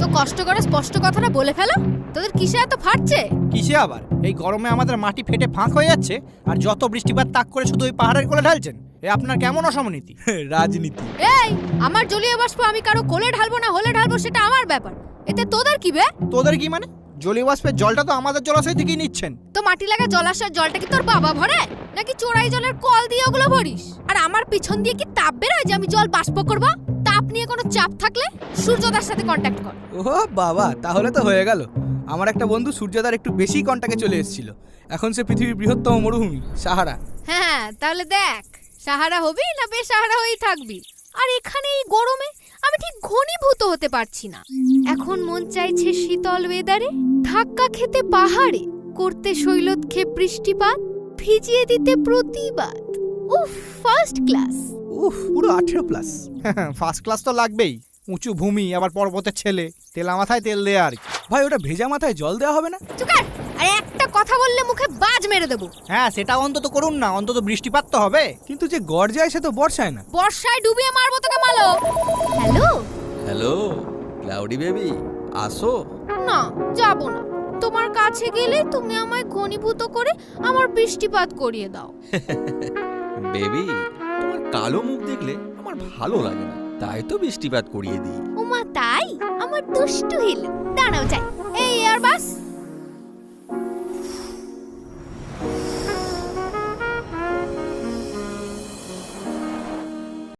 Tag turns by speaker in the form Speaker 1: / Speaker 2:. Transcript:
Speaker 1: কষ্ট করে স্পষ্ট কথাটা বলে ফেলো। তোদের কিসে এত ফাটছে?
Speaker 2: কিসে আবার? এই গরমে আমাদের মাটি ফেটে ফাঁক হয়ে যাচ্ছে, আর যত বৃষ্টিপাত তাক করে শুধু ওই পাহাড়ের কোলে ঢালছেন। এ আপনার কেমন অসমনীতি?
Speaker 3: রাজনীতি।
Speaker 1: এই, আমার জলীয় বাষ্প আমি কারো কোলে ঢালবো না হলে ঢালবো সেটা আমার ব্যাপার। এতে তোদের কি বে?
Speaker 2: তোদের কি মানে? জলীয় বাষ্পের জলটা তো আমাদের জলাশয় থেকেই নিচ্ছেন।
Speaker 1: তো মাটি লাগা জলাশয়ের জলটা কি তোর বাবা ভরে, নাকি চোরাই জলের কল দিয়ে ওগুলো ভরিস? আর আমার পিছন দিয়ে কি তাপ বেরোয় যে আমি জল বাষ্প করব? তাপ নিয়ে কোনো চাপ থাকলে সূর্যদার সাথে কন্ট্যাক্ট কর।
Speaker 3: ও বাবা, তাহলে তো হয়ে গেল। আমার একটা বন্ধু সূর্যদার একটু বেশি কন্টাক্টে চলে এসেছিল। এখন সে পৃথিবীর বৃহত্তম মরুভূমি সাহারা।
Speaker 1: হ্যাঁ, তাহলে দেখ সাহারা হবি না বেসাহারা হয়েই থাকবি। আর এখানে এই গরমে আমি ঠিক ঘনীভূত হতে পারছি না। এখন মন চাইছে শীতল ওয়েদারে ধাক্কা খেতে পাহাড়ে, করতে শৈলতক্ষেপ বৃষ্টিপাত, ভিজিয়ে দিতে প্রতিবাদ। উফ, ফার্স্ট ক্লাস।
Speaker 3: উফ, পুরো 18+।
Speaker 2: ফার্স্ট ক্লাস তো লাগবেই। উঁচু ভূমি, আবার পর্বতের ছেলে, তেলা মাথায় তেল দেয়া আর কি।
Speaker 3: ভাই, ওটা ভেজা মাথায় জল দেওয়া হবে না?
Speaker 1: চুকার, আরে একটা কথা বললে মুখে বাজ মেরে দেবো।
Speaker 2: হ্যাঁ, সেটা অন্তত করুন না, অন্তত বৃষ্টিপাত তো হবে।
Speaker 3: কিন্তু যে গড় যায় সে তো বর্ষায় না।
Speaker 1: বর্ষায় ডুবিয়ে মারবো তোকে মালো। হ্যালো
Speaker 4: হ্যালো ক্লাউডি বেবি, আসো।
Speaker 1: না, যাব না। তোমার কাছে গেলে তুমি আমায় ঘনীভূত করে আমার বৃষ্টিপাত করিয়ে দাও।
Speaker 4: বেবি, তোমার কালো মুখ দেখলে আমার ভালো লাগে না, তাই তো বৃষ্টিপাত করিয়ে দিই।
Speaker 1: ওমা তাই? আমার দুষ্টু হিল। দাঁড়াও যাই। এই আর বাস।